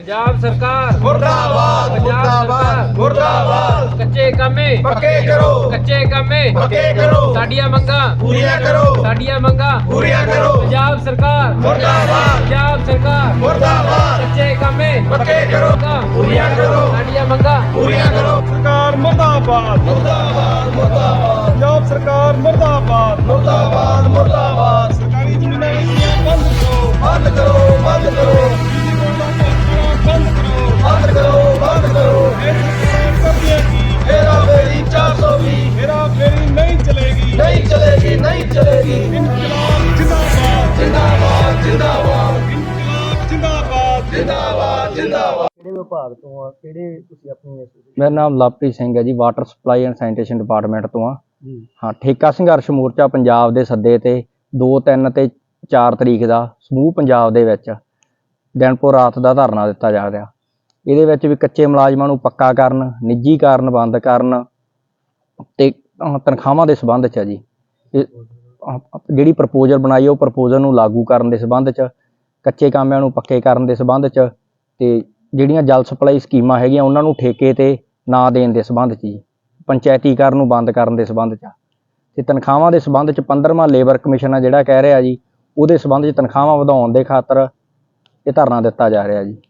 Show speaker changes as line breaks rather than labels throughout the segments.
पंजाब सरकार
मुर्दाबाद मुर्दाबाद मुर्दाबाद।
कच्चे कामे
पक्के करो,
कच्चे कामे
पक्के करो,
साडियां मंगां
पूरियां करो,
साडियां मंगां
पूरियां करो।
पंजाब सरकार
मुर्दाबाद
पंजाब सरकार
मुर्दाबाद।
कच्चे कामे
पक्के करो, पूरियां करो,
साडियां मंगां
पूरियां करो।
सरकार मुर्दाबाद
मुर्दाबाद मुर्दाबाद
पंजाब सरकार मुर्दाबाद
मुर्दाबाद मुर्दाबाद।
सरकारी जमीनां नीतियां बंद करो
बंद करो, बंद करो,
बंद करो
बंद करो, बंद करो।
कब्जे की
हेरा फेरी 420
हेरा फेरी नहीं चलेगी
नहीं चलेगी, नहीं चलेगी।
इनकलाब जिंदाबाद
जिंदाबाद जिंदाबाद
इनकलाब जिंदाबाद
जिंदाबाद जिंदाबाद।
ਕਿਹੜੇ ਵਿਭਾਗ ਤੋਂ ਆ ਕਿਹੜੇ ਤੁਸੀਂ ਆਪਣੀ
ਮੇਰਾ ਨਾਮ ਲਵਪ੍ਰੀਤ ਸਿੰਘ ਹੈ ਜੀ, water supply and sanitation department ਤੋਂ ਆ।
ਜੀ
ਹਾਂ, ਠੇਕਾ ਸੰਘਰਸ਼ ਮੋਰਚਾ ਪੰਜਾਬ ਦੇ ਸੱਦੇ ਤੇ 2, 3 ਤੇ 4 ਤਰੀਕ ਦਾ ਸਮੂਹ ਪੰਜਾਬ ਦੇ ਵਿੱਚ ਦਿਨਪੁਰ ਰਾਤ ਦਾ ਧਰਨਾ ਦਿੱਤਾ ਜਾ ਰਿਹਾ। ਇਹਦੇ ਵਿੱਚ ਵੀ ਕੱਚੇ ਮੁਲਾਜ਼ਮਾਂ ਨੂੰ ਪੱਕਾ ਕਰਨ, ਨਿੱਜੀਕਰਨ ਬੰਦ ਕਰਨ ਤੇ ਤਨਖਾਹਾਂ ਦੇ ਸੰਬੰਧ 'ਚ ਆ ਜੀ। ਇਹ ਜਿਹੜੀ ਪ੍ਰਪੋਜ਼ਲ ਬਣਾਈ ਉਹ ਪ੍ਰਪੋਜ਼ਲ ਨੂੰ ਲਾਗੂ ਕਰਨ ਦੇ ਸੰਬੰਧ 'ਚ, ਕੱਚੇ ਕਾਮਿਆਂ ਨੂੰ ਪੱਕੇ ਕਰਨ ਦੇ ਸੰਬੰਧ 'ਚ ਤੇ ਜਿਹੜੀਆਂ ਜਲ ਸਪਲਾਈ ਸਕੀਮਾਂ ਹੈਗੀਆਂ ਉਹਨਾਂ ਨੂੰ ਠੇਕੇ ਤੇ ਨਾ ਦੇਣ ਦੇ ਸੰਬੰਧ 'ਚ ਜੀ, ਪੰਚਾਇਤੀਕਰਨ ਨੂੰ ਬੰਦ ਕਰਨ ਦੇ ਸੰਬੰਧ 'ਚ ਤੇ ਤਨਖਾਹਾਂ ਦੇ ਸੰਬੰਧ 'ਚ 15ਵਾਂ ਲੇਬਰ ਕਮਿਸ਼ਨ ਆ ਜਿਹੜਾ ਕਹਿ ਰਿਹਾ ਜੀ, ਉਹਦੇ ਸੰਬੰਧ 'ਚ ਤਨਖਾਹਾਂ ਵਧਾਉਣ ਦੇ ਖਾਤਰ ਇਹ ਧਰਨਾ ਦਿੱਤਾ ਜਾ ਰਿਹਾ ਜੀ।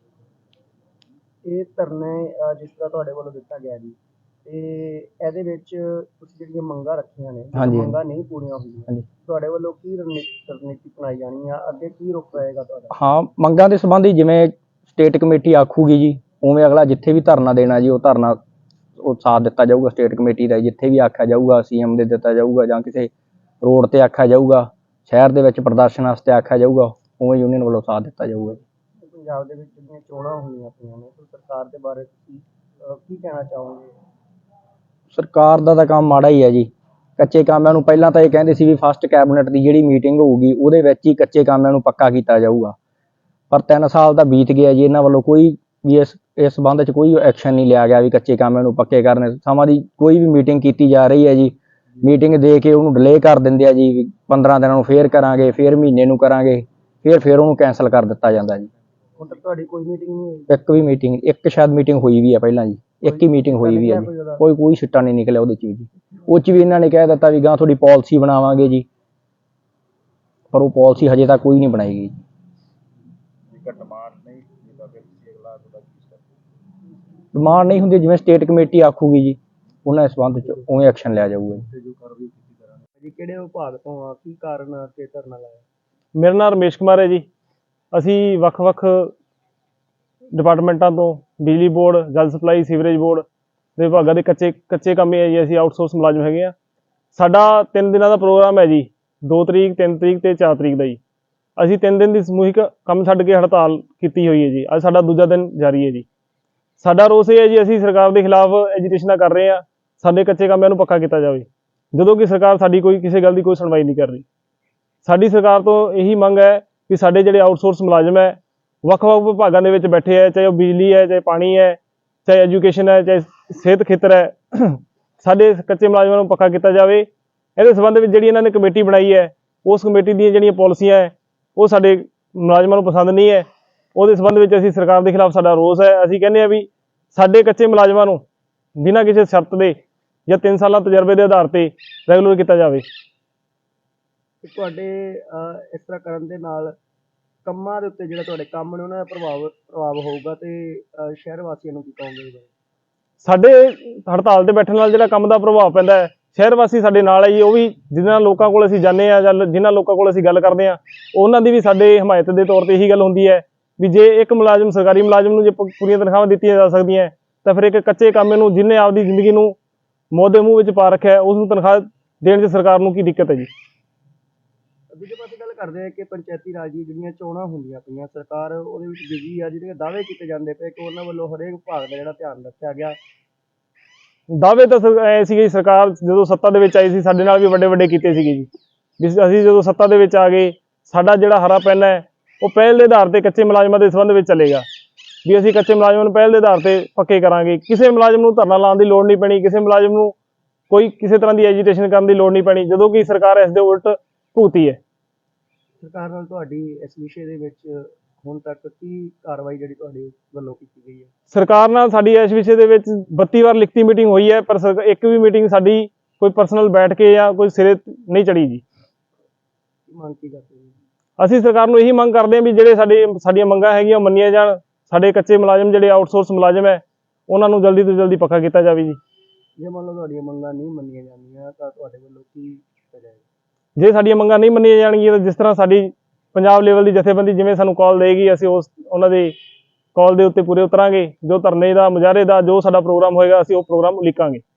ਇਹ ਧਰਨੇ ਜਿਸ ਤਰ੍ਹਾਂ ਤੁਹਾਡੇ ਵੱਲੋਂ ਦਿੱਤਾ ਗਿਆ ਜੀ ਤੇ ਇਹਦੇ ਵਿੱਚ ਤੁਸੀਂ ਜਿਹੜੀਆਂ ਮੰਗਾਂ ਰੱਖੀਆਂ ਨੇ
ਹਾਂਜੀ।
ਮੰਗਾਂ ਨਹੀਂ ਪੂਰੀਆਂ ਹੋਈਆਂ
ਹਾਂਜੀ।
ਤੁਹਾਡੇ ਵੱਲੋਂ ਕੀ ਰਣਨੀਤੀ ਅਪਣਾਈ ਜਾਣੀ ਆ, ਅੱਗੇ ਕੀ ਰੁਖ ਰਹੇਗਾ ਤੁਹਾਡਾ?
ਹਾਂ, ਮੰਗਾਂ ਦੇ ਸੰਬੰਧੀ ਜਿਵੇਂ ਸਟੇਟ ਕਮੇਟੀ ਆਖੂਗੀ ਜੀ ਉਵੇਂ ਅਗਲਾ ਜਿੱਥੇ ਵੀ ਧਰਨਾ ਦੇਣਾ ਜੀ ਉਹ ਧਰਨਾ ਉਹ ਸਾਥ ਦਿੱਤਾ ਜਾਊਗਾ ਸਟੇਟ ਕਮੇਟੀ ਦਾ। ਜਿੱਥੇ ਵੀ ਆਖਿਆ ਜਾਊਗਾ CM ਦੇ ਦਿੱਤਾ ਜਾਊਗਾ ਜਾਂ ਕਿਸੇ ਰੋਡ ਤੇ ਆਖਿਆ ਜਾਊਗਾ, ਸ਼ਹਿਰ ਦੇ ਵਿੱਚ ਪ੍ਰਦਰਸ਼ਨ ਵਾਸਤੇ ਆਖਿਆ ਜਾਊਗਾ, ਉਵੇਂ ਯੂਨੀਅਨ ਵੱਲੋਂ ਸਾਥ ਦਿੱਤਾ ਜਾਊਗਾ ਜੀ।
ਪੰਜਾਬ ਦੇ ਵਿੱਚ ਜਿਹੜੀਆਂ ਚੋਣਾਂ ਹੋਣੀਆਂ ਪਈਆਂ ਨੇ ਤਾਂ ਸਰਕਾਰ ਦੇ ਬਾਰੇ ਤੁਸੀਂ ਕੀ ਕਹਿਣਾ ਚਾਹੋਗੇ?
ਸਰਕਾਰ ਦਾ ਤਾਂ ਕੰਮ ਮਾੜਾ ਹੀ ਹੈ ਜੀ। ਕੱਚੇ ਕਾਮਿਆਂ ਨੂੰ ਪਹਿਲਾਂ ਤਾਂ ਇਹ ਕਹਿੰਦੇ ਸੀ ਵੀ ਫਸਟ ਕੈਬਨਿਟ ਦੀ ਜਿਹੜੀ ਮੀਟਿੰਗ ਹੋਊਗੀ ਉਹਦੇ ਵਿੱਚ ਹੀ ਕੱਚੇ ਕਾਮਿਆਂ ਨੂੰ ਪੱਕਾ ਕੀਤਾ ਜਾਊਗਾ, ਪਰ 3 ਸਾਲ ਤਾਂ ਬੀਤ ਗਿਆ ਜੀ, ਇਹਨਾਂ ਵੱਲੋਂ ਕੋਈ ਵੀ ਇਸ ਸੰਬੰਧ 'ਚ ਕੋਈ ਐਕਸ਼ਨ ਨਹੀਂ ਲਿਆ ਗਿਆ ਵੀ ਕੱਚੇ ਕਾਮਿਆਂ ਨੂੰ ਪੱਕੇ ਕਰਨ। ਸਮਾਂ ਦੀ ਕੋਈ ਵੀ ਮੀਟਿੰਗ ਕੀਤੀ ਜਾ ਰਹੀ ਹੈ ਜੀ, ਮੀਟਿੰਗ ਦੇ ਕੇ ਉਹਨੂੰ ਡਿਲੇ ਕਰ ਦਿੰਦੇ ਆ ਜੀ, 15 ਦਿਨਾਂ ਨੂੰ ਫੇਰ ਕਰਾਂਗੇ, ਫੇਰ ਮਹੀਨੇ ਨੂੰ ਕਰਾਂਗੇ, ਫੇਰ ਉਹਨੂੰ ਕੈਂਸਲ ਕਰ ਦਿੱਤਾ ਜਾਂਦਾ ਜੀ।
ਹੁਣ ਤੱਕ ਤੁਹਾਡੀ ਕੋਈ ਮੀਟਿੰਗ ਨਹੀਂ ਹੋਈ?
ਇੱਕ ਵੀ ਮੀਟਿੰਗ, ਇੱਕ ਸ਼ਾਇਦ ਮੀਟਿੰਗ ਹੋਈ ਵੀ ਹੈ ਪਹਿਲਾਂ ਜੀ, ਇੱਕ ਹੀ ਮੀਟਿੰਗ ਹੋਈ ਵੀ ਹੈ ਜੀ, ਕੋਈ ਸਿੱਟਾ ਨਹੀਂ ਨਿਕਲਿਆ ਉਹਦੇ 'ਚ ਵੀ ਜੀ। ਉਹ 'ਚ ਵੀ ਇਹਨਾਂ ਨੇ ਕਹਿ ਦਿੱਤਾ ਵੀ ਗਾਂ ਤੁਹਾਡੀ ਪਾਲਿਸੀ ਬਣਾਵਾਂਗੇ ਜੀ, ਪਰ ਉਹ ਪਾਲਿਸੀ ਹਜੇ ਤੱਕ ਕੋਈ ਨਹੀਂ ਬਣਾਈ ਗਈ। ਡਿਮਾਂਡ ਨਹੀਂ ਹੁੰਦੀ, ਜਿਵੇਂ ਸਟੇਟ ਕਮੇਟੀ ਆਖੂਗੀ ਜੀ ਉਹਨਾਂ ਦੇ ਸੰਬੰਧ 'ਚ ਉਵੇਂ ਐਕਸ਼ਨ ਲਿਆ ਜਾਊਗਾ ਜੀ।
ਜੀ ਕਿਹੜੇ ਵਿਭਾਗ ਤੋਂ ਆ, ਕੀ ਕਾਰਨ ਆ ਕਿ ਧਰਨਾ ਲਾਇਆ?
ਮੇਰਾ ਨਾਮ ਰਮੇਸ਼ ਕੁਮਾਰ ਹੈ ਜੀ। ਅਸੀਂ ਵੱਖ-ਵੱਖ ਡਿਪਾਰਟਮੈਂਟਾਂ ਤੋਂ ਬਿਜਲੀ ਬੋਰਡ, ਜਲ ਸਪਲਾਈ, ਸੀਵਰੇਜ ਬੋਰਡ ਦੇ ਵਿਭਾਗਾਂ ਦੇ ਕੱਚੇ ਕੰਮ ਹੈ ਜੀ। ਅਸੀਂ ਆਊਟਸੋਰਸ ਮੁਲਾਜ਼ਮ ਹੈਗੇ ਆ। ਸਾਡਾ 3 ਦਿਨਾਂ ਦਾ ਪ੍ਰੋਗਰਾਮ ਹੈ ਜੀ, 2 ਤਰੀਕ, 3 ਤਰੀਕ ਤੇ 4 ਤਰੀਕ ਦਾ ਜੀ। ਅਸੀਂ 3 ਦਿਨ ਦੀ ਸਮੂਹਿਕ ਕੰਮ ਛੱਡ ਕੇ ਹੜਤਾਲ ਕੀਤੀ ਹੋਈ ਹੈ ਜੀ। ਅੱਜ ਸਾਡਾ ਦੂਜਾ ਦਿਨ ਜਾਰੀ ਹੈ ਜੀ। ਸਾਡਾ ਰੋਸ ਇਹ ਹੈ ਜੀ, ਅਸੀਂ ਸਰਕਾਰ ਦੇ ਖਿਲਾਫ ਐਜੀਟੇਸ਼ਨਾਂ ਕਰ ਰਹੇ ਹਾਂ, ਸਾਡੇ ਕੱਚੇ ਕਾਮਿਆਂ ਨੂੰ ਪੱਕਾ ਕੀਤਾ ਜਾਵੇ, ਜਦੋਂ ਕਿ ਸਰਕਾਰ ਸਾਡੀ ਕਿਸੇ ਗੱਲ ਦੀ ਕੋਈ ਸੁਣਵਾਈ ਨਹੀਂ ਕਰ ਰਹੀ। ਸਾਡੀ ਸਰਕਾਰ ਤੋਂ ਇਹੀ ਮੰਗ ਹੈ ਕਿ ਸਾਡੇ ਜਿਹੜੇ ਆਊਟਸੋਰਸ ਮੁਲਾਜ਼ਮ ਹੈ, ਵੱਖ-ਵੱਖ ਵਿਭਾਗਾਂ ਦੇ ਵਿੱਚ ਬੈਠੇ ਹੈ, ਚਾਹੇ ਉਹ ਬਿਜਲੀ ਹੈ, ਚਾਹੇ ਪਾਣੀ ਹੈ, ਚਾਹੇ ਐਜੂਕੇਸ਼ਨ ਹੈ, ਚਾਹੇ ਸਿਹਤ ਖੇਤਰ ਹੈ, ਸਾਡੇ ਕੱਚੇ ਮੁਲਾਜ਼ਮਾਂ ਨੂੰ ਪੱਕਾ ਕੀਤਾ ਜਾਵੇ। ਇਹਦੇ ਸੰਬੰਧ ਵਿੱਚ ਜਿਹੜੀ ਇਹਨਾਂ ਨੇ ਕਮੇਟੀ ਬਣਾਈ ਹੈ, ਉਸ ਕਮੇਟੀ ਦੀਆਂ ਜਿਹੜੀਆਂ ਪਾਲਿਸੀਆਂ ਹੈ ਉਹ ਸਾਡੇ ਮੁਲਾਜ਼ਮਾਂ ਨੂੰ ਪਸੰਦ ਨਹੀਂ ਹੈ। ਉਹਦੇ ਸੰਬੰਧ ਵਿੱਚ ਅਸੀਂ ਸਰਕਾਰ ਦੇ ਖਿਲਾਫ ਸਾਡਾ ਰੋਸ ਹੈ। ਅਸੀਂ ਕਹਿੰਦੇ ਹਾਂ ਵੀ ਸਾਡੇ ਕੱਚੇ ਮੁਲਾਜ਼ਮਾਂ ਨੂੰ ਬਿਨਾਂ ਕਿਸੇ ਸ਼ਰਤ ਦੇ ਜਾਂ 3 ਸਾਲਾਂ ਤਜਰਬੇ ਦੇ ਆਧਾਰ ਤੇ ਰੈਗੂਲਰ ਕੀਤਾ ਜਾਵੇ।
ਤੁਹਾਡੇ ਇਸ ਤਰ੍ਹਾਂ ਕਰਨ ਦੇ ਨਾਲ ਕੰਮਾਂ ਦੇ ਉੱਤੇ ਜਿਹੜਾ ਤੁਹਾਡੇ ਕੰਮ ਨੇ ਉਹਨਾਂ ਦਾ ਪ੍ਰਭਾਵ ਹੋਊਗਾ ਤੇ ਸ਼ਹਿਰ ਵਾਸੀਆਂ ਨੂੰ ਕੀ ਕਹੋਗੇ?
ਸਾਡੇ ਹੜਤਾਲ ਤੇ ਬੈਠਣ ਨਾਲ ਜਿਹੜਾ ਕੰਮ ਦਾ ਪ੍ਰਭਾਵ ਪੈਂਦਾ ਹੈ, ਸ਼ਹਿਰ ਵਾਸੀ ਸਾਡੇ ਨਾਲ ਹੈ ਜੀ। ਉਹ ਵੀ ਜਿਨ੍ਹਾਂ ਲੋਕਾਂ ਕੋਲ ਅਸੀਂ ਜਾਂਦੇ ਹਾਂ ਜਾਂ ਜਿਨ੍ਹਾਂ ਲੋਕਾਂ ਕੋਲ ਅਸੀਂ ਗੱਲ ਕਰਦੇ ਹਾਂ, ਉਹਨਾਂ ਦੀ ਵੀ ਸਾਡੇ ਹਮਾਇਤ ਦੇ ਤੌਰ ਤੇ ਇਹੀ ਗੱਲ ਹੁੰਦੀ ਹੈ ਵੀ ਜੇ ਇੱਕ ਮੁਲਾਜ਼ਮ, ਸਰਕਾਰੀ ਮੁਲਾਜ਼ਮ ਨੂੰ ਜੇ ਪੂਰੀਆਂ ਤਨਖਾਹਾਂ ਦਿੱਤੀਆਂ ਜਾ ਸਕਦੀਆਂ ਤਾਂ ਫਿਰ ਇੱਕ ਕੱਚੇ ਕਾਮੇ ਨੂੰ ਜਿਹਨੇ ਆਪਦੀ ਜ਼ਿੰਦਗੀ ਨੂੰ ਮੌਤ ਦੇ ਮੂੰਹ ਵਿੱਚ ਪਾ ਰੱਖਿਆ ਉਸ ਨੂੰ ਤਨਖਾਹ ਦੇਣ 'ਚ ਸਰਕਾਰ ਨੂੰ ਕੀ ਦਿੱਕਤ ਹੈ ਜੀ?
ਦੂਜੇ ਪਾਸੇ ਗੱਲ ਕਰਦੇ ਆ ਕਿ ਪੰਚਾਇਤੀ ਰਾਜ ਦੀਆਂ ਜਿਹੜੀਆਂ ਚੋਣਾਂ ਹੁੰਦੀਆਂ ਪਈਆਂ, ਸਰਕਾਰ ਉਹਦੇ ਵਿੱਚ ਬਿਜੀ ਆ, ਜਿਹੜੇ ਦਾਅਵੇ ਕੀਤੇ ਜਾਂਦੇ ਪਏ ਕਿ ਉਹਨਾਂ ਵੱਲੋਂ ਹਰੇਕ ਵਿਭਾਗ ਦਾ ਜਿਹੜਾ ਧਿਆਨ ਰੱਖਿਆ ਗਿਆ।
ਦਾਅਵੇ ਤਾਂ ਐ ਸੀਗੇ, ਸਰਕਾਰ ਜਦੋਂ ਸੱਤਾ ਦੇ ਵਿੱਚ ਆਈ ਸੀ ਸਾਡੇ ਨਾਲ ਵੀ ਵੱਡੇ ਕੀਤੇ ਸੀਗੇ ਜੀ। ਅਸੀਂ ਜਦੋਂ ਸੱਤਾ ਦੇ ਵਿੱਚ ਆ ਗਏ, ਸਾਡਾ ਜਿਹੜਾ ਹਰਾ ਪੈਨ ਹੈ ਉਹ ਪਹਿਲ ਦੇ ਆਧਾਰ ਤੇ ਕੱਚੇ ਮੁਲਾਜ਼ਮਾਂ ਦੇ ਸੰਬੰਧ ਵਿੱਚ ਚੱਲੇਗਾ ਵੀ ਅਸੀਂ ਕੱਚੇ ਮੁਲਾਜ਼ਮਾਂ ਨੂੰ ਪਹਿਲ ਦੇ ਆਧਾਰ ਤੇ ਪੱਕੇ ਕਰਾਂਗੇ। ਕਿਸੇ ਮੁਲਾਜ਼ਮ ਨੂੰ ਧਰਨਾ ਲਾਉਣ ਦੀ ਲੋੜ ਨਹੀਂ ਪੈਣੀ, ਕਿਸੇ ਮੁਲਾਜ਼ਮ ਨੂੰ ਕੋਈ ਕਿਸੇ ਤਰ੍ਹਾਂ ਦੀ ਐਜੀਟੇਸ਼ਨ ਕਰਨ ਦੀ ਲੋੜ ਨਹੀਂ ਪੈਣੀ, ਜਦੋਂ ਕਿ ਸਰਕਾਰ ਇਸ ਦੇ ਉਲਟ ਭੁਗਤੀ ਹੈ।
ਸਰਕਾਰ ਨਾਲ ਤੁਹਾਡੀ ਇਸ ਵਿਸ਼ੇ ਦੇ ਵਿੱਚ ਹੁਣ ਤੱਕ ਕੀ ਕਾਰਵਾਈ ਜਿਹੜੀ ਤੁਹਾਡੇ ਵੱਲੋਂ ਕੀਤੀ ਗਈ ਹੈ?
ਸਰਕਾਰ ਨਾਲ ਸਾਡੀ ਇਸ ਵਿਸ਼ੇ ਦੇ ਵਿੱਚ 32 ਵਾਰ ਲਿਖਤੀ ਮੀਟਿੰਗ ਹੋਈ ਹੈ, ਪਰ ਇੱਕ ਵੀ ਮੀਟਿੰਗ ਸਾਡੀ ਕੋਈ ਪਰਸਨਲ ਬੈਠ ਕੇ ਜਾਂ ਕੋਈ ਸਿਰੇ ਨਹੀਂ ਚੜੀ ਜੀ।
ਕੀ ਮੰਗ ਕੀ ਕਰਦੇ ਹੋ?
ਅਸੀਂ ਸਰਕਾਰ ਨੂੰ ਇਹੀ ਮੰਗ ਕਰਦੇ ਹਾਂ ਵੀ ਜਿਹੜੇ ਸਾਡੀਆਂ ਮੰਗਾਂ ਹੈਗੀਆਂ ਉਹ ਮੰਨੀਆਂ ਜਾਣ। ਸਾਡੇ ਕੱਚੇ ਮੁਲਾਜ਼ਮ ਜਿਹੜੇ ਆਊਟਸੋਰਸ ਮੁਲਾਜ਼ਮ ਹੈ ਉਹਨਾਂ ਨੂੰ ਜਲਦੀ ਤੋਂ ਜਲਦੀ ਪੱਕਾ ਕੀਤਾ ਜਾਵੇ ਜੀ।
ਜੇ ਮੰਨ ਲਓ ਤੁਹਾਡੀਆਂ ਮੰਗਾਂ ਨਹੀਂ ਮੰਨੀਆਂ ਜਾਂਦੀਆਂ ਤਾਂ ਤੁਹਾਡੇ ਵੱਲੋਂ ਕੀ ਕੀਤਾ ਜਾਏਗਾ?
ਜੇ ਸਾਡੀਆਂ ਮੰਗਾਂ ਨਹੀਂ ਮੰਨੀਆਂ ਜਾਣਗੀਆਂ ਤਾਂ ਜਿਸ ਤਰ੍ਹਾਂ ਸਾਡੀ ਪੰਜਾਬ ਲੈਵਲ ਦੀ ਜਥੇਬੰਦੀ ਜਿਵੇਂ ਸਾਨੂੰ ਕਾਲ ਦੇਗੀ, ਅਸੀਂ ਉਹਨਾਂ ਦੇ ਕਾਲ ਦੇ ਉੱਤੇ ਪੂਰੇ ਉਤਰਾਂਗੇ। ਜੋ ਧਰਨੇ ਦਾ, ਮੁਜ਼ਾਹਰੇ ਦਾ ਜੋ ਸਾਡਾ ਪ੍ਰੋਗਰਾਮ ਹੋਏਗਾ ਅਸੀਂ ਉਹ ਪ੍ਰੋਗਰਾਮ ਉਲੀਕਾਂਗੇ।